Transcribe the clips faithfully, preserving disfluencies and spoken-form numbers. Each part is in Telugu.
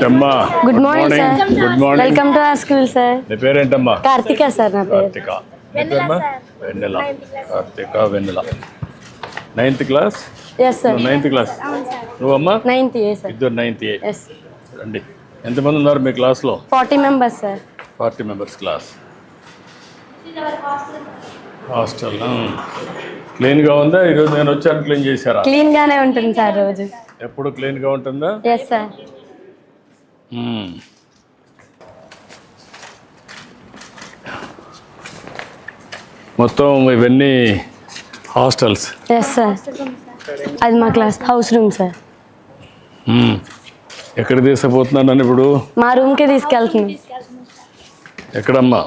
ఏంటమ్మా? Good morning sir. Good morning. Welcome to our school sir. నీ పేరేంటమ్మా? కార్తిక సార్ నా పేరు. కార్తిక. నీ పేరమ్మా? Vennela. Karthika Vennela. Ninth class. Yes sir. Ninth class. నువ్వమ్మా? Ninth A sir. ఇద్దరు నైన్త్ ఏ. ఎస్. రండి. ఎంతమంది ఉన్నారు మీ క్లాస్లో? Forty members sir. Forty members class. Hostel క్లీన్గా ఉందా? ఈరోజు నేను వచ్చాను, క్లీన్ చేశారా? క్లీన్ గానే ఉంటుంది సార్ రోజు. ఎప్పుడు క్లీన్గా ఉంటుందా? Yes sir. మ్మ్. మొత్తం ఇవన్నీ హాస్టల్స్. Yes sir. అది మా క్లాస్ హౌస్ రూమ్ సార్. మ్మ్. ఎక్కడ తీసుకుపోతున్నాను నన్ను ఇప్పుడు? మా రూమ్కి తీసుకెళ్తున్నాం. ఎక్కడమ్మా?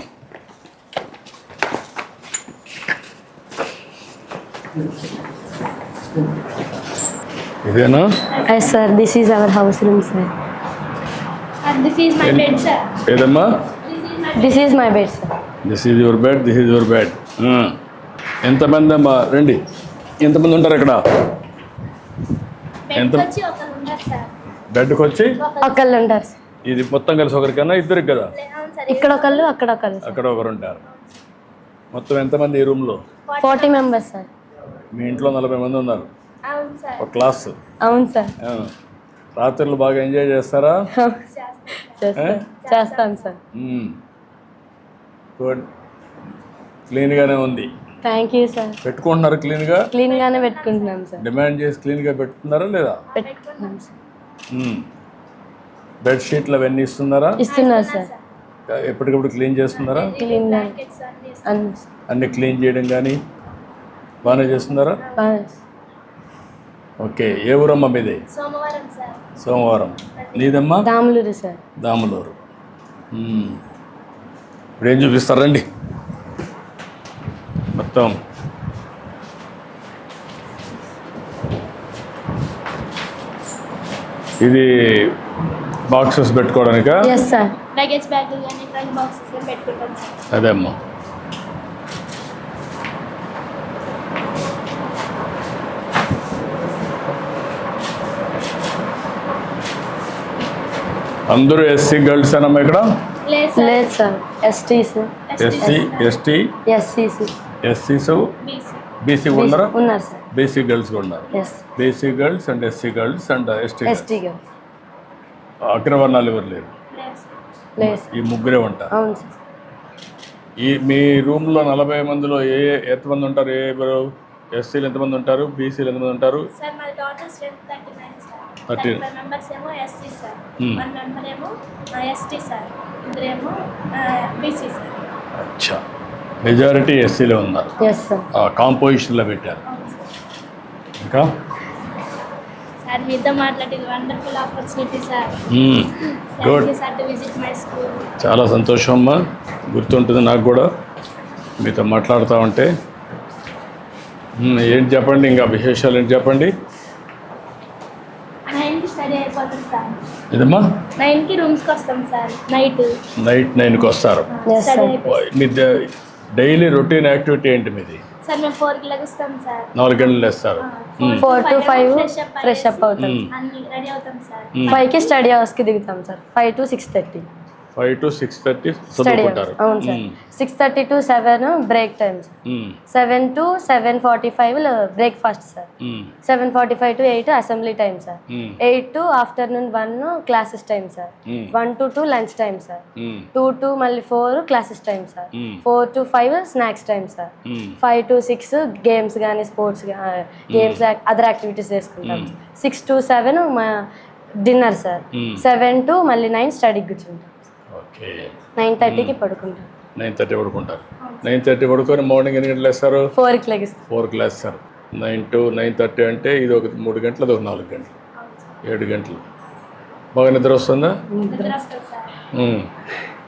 ఇదేనా? Yes sir. This is our house room sir. This is my bed, sir. ఏదమ్మా? This is my bed sir. This is your bed, this is your bed. ఎంతమంది అమ్మా? రండి. ఎంతమంది ఉంటారు ఇక్కడ? Bed ఎంత? వచ్చి ఒకరు ఉన్నారు, sir. బెడ్కి వచ్చి ఒకళ్ళు ఉంటారు సార్. ఇది మొత్తం కలిసి ఒకరికన్నా ఇద్దరికి కదా? అవును, sir. ఇక్కడ ఒకళ్ళు అక్కడ ఒకళ్ళు సార్. అక్కడ ఒకరు ఉంటారు. మొత్తం ఎంతమంది ఈ రూమ్లో? Forty members sir. మీ ఇంట్లో నలభై మంది ఉన్నారు. అవును, sir. ఒక క్లాస్. అవును సార్. ఆ. రాత్రులు బాగా ఎంజాయ్ చేస్తారా? చేస్తాం చేస్తాం సార్. మ్మ్. గుడ్. క్లీన్గానే ఉంది. Thank you sir. పెట్టుకుంటున్నారు క్లీన్గా? క్లీన్ గానే పెట్టుకుంటున్నాం సార్. డిమాండ్ చేసి క్లీన్గా పెట్టుకున్నారా లేదా? పెట్టుకుంటున్నాం సార్. మ్మ్. బెడ్ షీట్లు అవన్నీ ఇస్తున్నారా? ఇస్తున్నారు సార్. ఎప్పటికప్పుడు క్లీన్ చేస్తున్నారా? క్లీన్ గా Blankets అన్ని అన్ని అన్ని క్లీన్ చేయడం కానీ బాగానే చేస్తున్నారా? బాగా. ఓకే. ఏ ఊరమ్మా మీది? సోమవారం, sir. సోమవారం. నీదమ్మా? దాములూరు సార్. దాములూరు. మ్మ్. ఇప్పుడు ఏం చూపిస్తారండి మొత్తం? ఇది బాక్సెస్ పెట్టుకోవడానికా? Yes sir. Luggage bag కానీ ట్రంక్ బాక్సెస్ లో పెట్టుకుంటాం, sir. అదే అమ్మా. అందరూ ఎస్సీ గర్ల్స్ అనమ్మా ఇక్కడ? లేదు, sir. లేదు sir. ఎస్టీస్ SC, ST, ఎస్సీస్ ఎస్సీస్, B C. BC ఉన్నారా? ఉన్నారు సార్. బీసీ గర్ల్స్ కూడా ఉన్నారు. Yes. BC girls and SC girls and ST. ST girls అగ్రవర్ణాలు ఎవరు లేరు. లేదు, sir. లేదు సార్. ఈ ముగ్గురే ఉంటారు. అవును సార్. ఈ మీ రూమ్లో నలభై మందిలో ఏ ఎంతమంది ఉంటారు? ఏ ఎస్సీలు ఎంతమంది ఉంటారు? బీసీలు ఎంతమంది ఉంటారు? Sir, my total strength thirty-nine, sir. thirty. thirty-five members ఏమో S C, sir. Hmm. One member ఏమో S T, sir. ఇద్దరేమో B C, sir. అచ్చా. మెజారిటీ ఎస్సీలే ఉన్నారు. Yes sir. ఆ కాంపోజిషన్లో పెట్టారు. అవును, sir. ఇంకా సార్, మీతో మాట్లాడేది wonderful opportunity, sir. Good. Thank you, sir, to visit my school. చాలా సంతోషం అమ్మా. గుర్తుంటుంది నాకు కూడా మీతో మాట్లాడుతూ ఉంటే. మ్మ్. ఏంటి చెప్పండి, ఇంకా విశేషాలు ఏంటి చెప్పండి? నైన్కి స్టడీ అయిపోతుంది, సార్. ఇదమ్మా? నైన్కి రూమ్స్కి వస్తాం, సార్. నైట్ నైట్ నైన్కి వస్తారు. Yes study sir. అయిపోతుంది. మీ డైలీ రొటీన్ యాక్టివిటీ ఏంటి మీది? సార్, మేము ఫోర్కి లెగుస్తాం, సార్. నాలుగు గంటలు వేస్తారు. Four to five fresh fresh up అవుతాం. అన్ని రెడీ అవుతాం, సార్. ఫైవ్ కి స్టడీ అవర్స్ కి దిగుతాం sir. Five to six thirty five to six thirty study చదువుకుంటారు. అవర్స్. అవును sir. Six thirty to seven break time sir. Seven to seven forty five breakfast sir. Seven forty five to eight assembly time sir. Eight to afternoon one classes time sir. One to two lunch time sir. Two to మళ్ళీ four classes time sir. Four to five snacks time sir. Five to six games కానీ స్పోర్ట్స్ గేమ్స్ అదర్ యాక్టివిటీస్ చేసుకుంటాం. సిక్స్ టు సెవెన్ మా డిన్నర్ సార్. సెవెన్ టు మళ్ళీ నైన్ స్టడీకి కూర్చుంటాం. ఓకే. నైన్ థర్టీకి పడుకుంటాం. నైన్ థర్టీ పడుకుంటారు. నైన్ థర్టీ పడుకొని మార్నింగ్ ఎన్ని గంటలు వేస్తారు? ఫోర్కి లెగిస్తాం. ఫోర్కి వేస్తారు. నైన్ టు నైన్ థర్టీ అంటే ఇది ఒక మూడు గంటలు, అది ఒక నాలుగు గంటలు, ఏడు గంటలు. బాగా నిద్ర వస్తుందా? నిద్ర వస్తుంది, సార్. మ్మ్.